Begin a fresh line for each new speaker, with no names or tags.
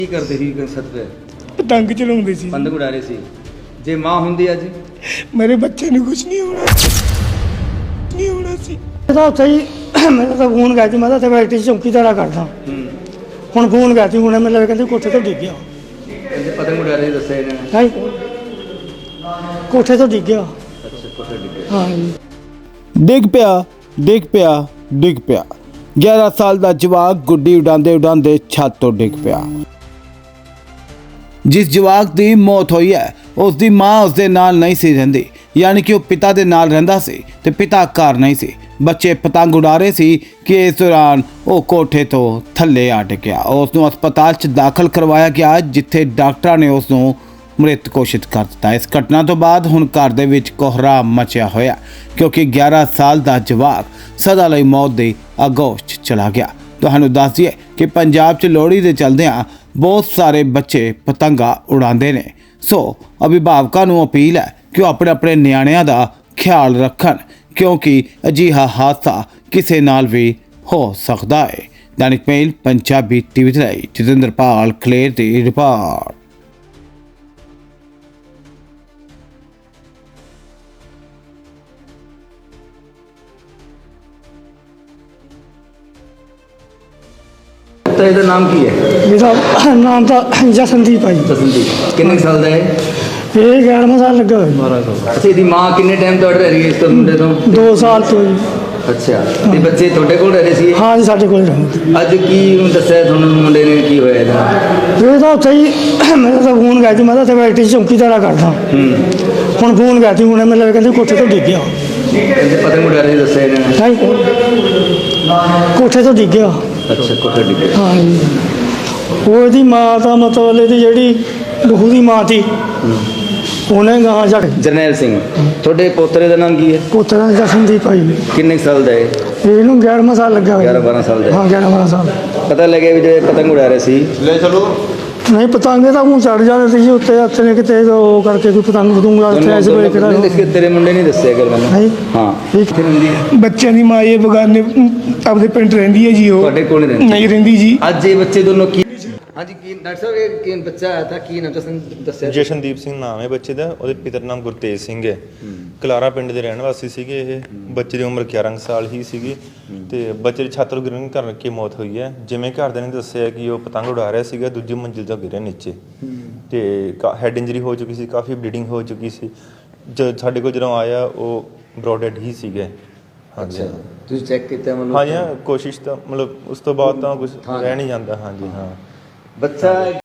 ਕੀ ਕਰਦੇ ਸੀ ਛੱਤ ਤੇ?
ਪਤੰਗ ਚਲਾਉਂਦੇ ਸੀ।
ਪਤੰਗ ਉਡਾ ਰਹੇ ਸੀ। ਜੇ ਮਾਂ ਹੁੰਦੀ ਅੱਜ
ਮੇਰੇ ਬੱਚੇ ਨੂੰ ਕੁਝ ਨਹੀਂ ਹੋਣਾ ਸੀ।
ਤਾਂ ਉੱਥੇ ਹੀ ਮੈਨੂੰ ਤਾਂ ਫੋਨ ਗਿਆ ਸੀ, ਮੈਂ ਤਾਂ ਇੱਥੇ ਫੈਕਟਰੀ 'ਚ ਚੌਕੀਦਾਰਾ ਕਰਦਾ। ਹੁਣ ਫੋਨ ਗਿਆ ਸੀ, ਹੁਣ ਮੈਨੂੰ ਕਹਿੰਦੇ ਕੋਠੇ ਤੋਂ ਡਿੱਗ ਗਿਆ।
ਕਹਿੰਦੇ ਪਤੰਗ ਉਡਾ ਰਹੇ ਦੱਸਿਆ ਇਹਨਾਂ ਨੇ।
ਹਾਂ ਕੋਠੇ ਤੋਂ ਡਿੱਗ ਗਿਆ।
ਅੱਛਾ, ਕੋਠੇ ਡਿੱਗੇ।
ਹਾਂ ਜੀ।
ਡਿੱਗ ਪਿਆ 11 ਸਾਲ ਦਾ ਜਵਾਕ ਗੁੱਡੀ ਉਡਾਉਂਦੇ ਛੱਤ ਤੋਂ ਡਿੱਗ ਪਿਆ। ਜਿਸ ਜਵਾਕ ਦੀ ਮੌਤ ਹੋਈ ਹੈ ਉਸ ਦੀ ਮਾਂ ਉਸ ਦੇ ਨਾਲ ਨਹੀਂ ਸੀ ਰਹਿੰਦੀ, ਯਾਨੀ ਕਿ ਉਹ ਪਿਤਾ ਦੇ ਨਾਲ ਰਹਿੰਦਾ ਸੀ ਤੇ ਪਿਤਾ ਘਰ ਨਹੀਂ ਸੀ। ਬੱਚੇ ਪਤੰਗ ਉਡਾ ਰਹੇ ਸੀ ਕਿ ਇਸ ਦੌਰਾਨ ਉਹ ਕੋਠੇ ਤੋਂ ਥੱਲੇ ਆ ਡਿੱਗਿਆ। ਉਸ ਨੂੰ ਹਸਪਤਾਲ 'ਚ ਦਾਖਲ ਕਰਵਾਇਆ ਗਿਆ, ਜਿੱਥੇ ਡਾਕਟਰਾਂ ਨੇ ਉਸ ਨੂੰ ਮ੍ਰਿਤ ਘੋਸ਼ਿਤ ਕਰ ਦਿੱਤਾ। ਇਸ ਘਟਨਾ ਤੋਂ ਬਾਅਦ ਹੁਣ ਘਰ ਦੇ ਵਿੱਚ ਕੋਹਰਾ ਮਚਿਆ ਹੋਇਆ, ਕਿਉਂਕਿ 11 ਸਾਲ ਦਾ ਜਵਾਕ ਸਦਾ ਲਈ ਮੌਤ ਦੀ ਆਗੋਸ਼ 'ਚ ਚਲਾ ਗਿਆ। ਤੁਹਾਨੂੰ ਦੱਸ ਦਈਏ ਕਿ ਪੰਜਾਬ 'ਚ ਲੋਹੜੀ ਦੇ ਚੱਲਦਿਆਂ ਬਹੁਤ ਸਾਰੇ ਬੱਚੇ ਪਤੰਗਾ ਉਡਾਉਂਦੇ ਨੇ। ਸੋ ਅਭਿਭਾਵਕਾਂ ਨੂੰ ਅਪੀਲ ਹੈ ਕਿ ਉਹ ਆਪਣੇ ਨਿਆਣਿਆਂ ਦਾ ਖਿਆਲ ਰੱਖਣ, ਕਿਉਂਕਿ ਅਜਿਹਾ ਹਾਦਸਾ ਕਿਸੇ ਨਾਲ ਵੀ ਹੋ ਸਕਦਾ ਹੈ। ਦੈਨਿਕ ਮੇਲ ਪੰਜਾਬੀ ਟੀਵੀ ਦੇ ਲਈ ਜਤਿੰਦਰਪਾਲ ਖਲੇਰ ਦੀ ਰਿਪੋਰਟ।
ਤਾਂ ਇਹਦਾ ਨਾਮ ਕੀ ਹੈ?
ਇਹਦਾ ਨਾਮ ਤਾਂ ਜਸਨਦੀਪ ਹੈ ਜੀ।
ਜਸਨਦੀਪ। ਕਿੰਨੇ ਕੁ ਸਾਲ ਦਾ ਹੈ?
ਇਹ 11ਵਾਂ ਸਾਲ ਲੱਗਾ ਹੋਇਆ।
12 ਸਾਲ। ਅੱਛਾ, ਇਹਦੀ ਮਾਂ ਕਿੰਨੇ ਟਾਈਮ ਤੋਂ ਰਹਿ ਰਹੀ ਹੈ ਇਸ ਤੋਂ ਮੁੰਡੇ ਤੋਂ?
2 ਸਾਲ ਤੋਂ ਜੀ।
ਅੱਛਾ, ਤੇ ਬੱਚੇ ਤੁਹਾਡੇ ਕੋਲ ਰਹਿ ਰਹੇ ਸੀ?
ਹਾਂ ਜੀ, ਸਾਡੇ ਕੋਲ ਰਹਿੰਦੇ।
ਅੱਜ ਕੀ ਦੱਸਿਆ ਤੁਹਾਨੂੰ ਮੁੰਡੇ ਨੇ, ਕੀ ਹੋਇਆ ਇਹਦਾ?
ਇਹ ਤਾਂ ਉੱਥੇ ਹੀ ਮੈਨੂੰ ਤਾਂ ਫੋਨ ਗਿਆ ਸੀ, ਮੈਂ ਤਾਂ ਇੱਥੇ ਫੈਕਟਰੀ 'ਚ ਚੌਕੀਦਾਰਾ ਕਰਦਾ। ਹੁਣ ਫੋਨ ਗਿਆ ਸੀ, ਹੁਣ ਮੈਨੂੰ ਕਹਿੰਦੇ ਕੋਠੇ ਤੋਂ ਡਿੱਗ ਗਿਆ।
ਕਹਿੰਦੇ ਪਤੰਗ ਉਡਾ ਰਹੇ ਦੱਸਿਆ ਇਹਨਾਂ ਨੇ।
ਹਾਂ ਕੋਠੇ ਤੋਂ ਡਿੱਗ ਗਿਆ।
ਅੱਛਾ, ਕੋਠੇ ਡਿੱਗੇ।
ਹਾਂ ਜੀ। ਉਹਦੀ ਮਾਂ ਤਾਂ ਮਤਲਬ ਇਹਦੀ ਜਿਹੜੀ ਬਹੂ ਦੀ ਮਾਂ ਸੀ, ਉਹਨੇ ਗਾਂ ਜਾ ਕੇ
ਜਰਨੈਲ ਸਿੰਘ। ਤੁਹਾਡੇ ਪੋਤਰੇ ਦਾ ਨਾਮ ਕੀ ਹੈ?
ਪੁੱਤਰ ਜਸਨਦੀਪ ਭਾਈ ਨੇ।
ਕਿੰਨੇ ਕੁ ਸਾਲ ਦਾ ਹੈ?
ਇਹਨੂੰ 11ਵਾਂ ਸਾਲ ਲੱਗਾ ਹੋਇਆ।
11-12 ਸਾਲ ਦਾ।
ਹਾਂ 11ਵਾਂ ਸਾਲ।
ਪਤਾ ਲੱਗਿਆ ਵੀ ਜਿਹੜੇ ਪਤੰਗ ਉਡਾ ਰਹੇ ਸੀ? ਲੈ ਚਲੋ।
ਨਹੀਂ, ਪਤੰਗੇ ਤਾਂ ਉਹ ਚੜ ਜਾਂਦੇ ਸੀ ਜੀ ਉੱਤੇ, ਹੱਥ ਨੇ ਕਿਤੇ ਉਹ ਕਰਕੇ ਕੋਈ ਪਤੰਗ ਪਤੰਗਾ ਉੱਥੇ ਸਵੇਰੇ ਕਿਹੜਾ।
ਤੇਰੇ ਮੁੰਡੇ ਨਹੀਂ ਦੱਸਿਆ ਕਰ ਮੈਨੂੰ। ਹਾਂ, ਕਿੱਥੇ ਰਹਿੰਦੀ ਹੈ?
ਬੱਚਿਆਂ ਦੀ ਮਾਂ ਇਹ ਬਗਾਨੇ ਆਪਦੇ ਪਿੰਡ ਰਹਿੰਦੀ ਹੈ ਜੀ। ਉਹ
ਤੁਹਾਡੇ ਕੋਲ
ਨਹੀਂ ਰਹਿੰਦੀ ਜੀ।
ਅੱਜ ਇਹ ਬੱਚੇ ਦੋਨੋਂ ਕੀ? ਹਾਂਜੀ, ਕੀ ਡਾਕਟਰ ਸਾਹਿਬ, ਇਹ ਕੀ ਬੱਚਾ ਆਇਆ ਤਾਂ ਕੀ ਨਾਮ ਦੱਸਿਆ?
ਜਸ਼ਨਦੀਪ ਸਿੰਘ ਨਾਮ ਹੈ ਬੱਚੇ ਦਾ। ਉਹਦੇ ਪਿਤਾ ਦਾ ਨਾਮ ਗੁਰਤੇਜ ਸਿੰਘ ਹੈ। ਕਲਾਰਾ ਪਿੰਡ ਦੇ ਰਹਿਣ ਵਾਸੀ ਸੀਗੇ ਇਹ। ਬੱਚੇ ਦੀ ਉਮਰ 11 ਸਾਲ ਹੀ ਸੀਗੀ ਤੇ ਬੱਚੇ ਦੀ ਛੱਤ ਤੋਂ ਗਿਰਨ ਕਰਕੇ ਮੌਤ ਹੋਈ ਹੈ। ਜਿਵੇਂ ਘਰਦਿਆਂ ਨੇ ਦੱਸਿਆ ਕਿ ਉਹ ਪਤੰਗ ਉਡਾ ਰਿਹਾ ਸੀਗਾ, ਦੂਜੀ ਮੰਜ਼ਿਲ ਤੋਂ ਗਿਰਿਆ ਨੀਚੇ ਤੇ ਹੈਡ ਇੰਜਰੀ ਹੋ ਚੁੱਕੀ ਸੀ, ਕਾਫੀ ਬਲੀਡਿੰਗ ਹੋ ਚੁੱਕੀ ਸੀ। ਸਾਡੇ ਕੋਲ ਜਦੋਂ ਆਇਆ ਉਹ ਬਰੋਡ ਡੈਡ ਹੀ ਸੀਗੇ। ਹਾਂਜੀ,
ਤੁਸੀਂ ਚੈੱਕ ਕੀਤਾ ਮਤਲਬ?
ਹਾਂਜੀ, ਕੋਸ਼ਿਸ਼ ਤਾਂ ਮਤਲਬ ਉਸ ਤੋਂ ਬਾਅਦ ਤਾਂ ਕੁਝ ਰਹਿ ਨਹੀਂ ਜਾਂਦਾ। ਹਾਂਜੀ, ਹਾਂ।
ਬੱਚਾ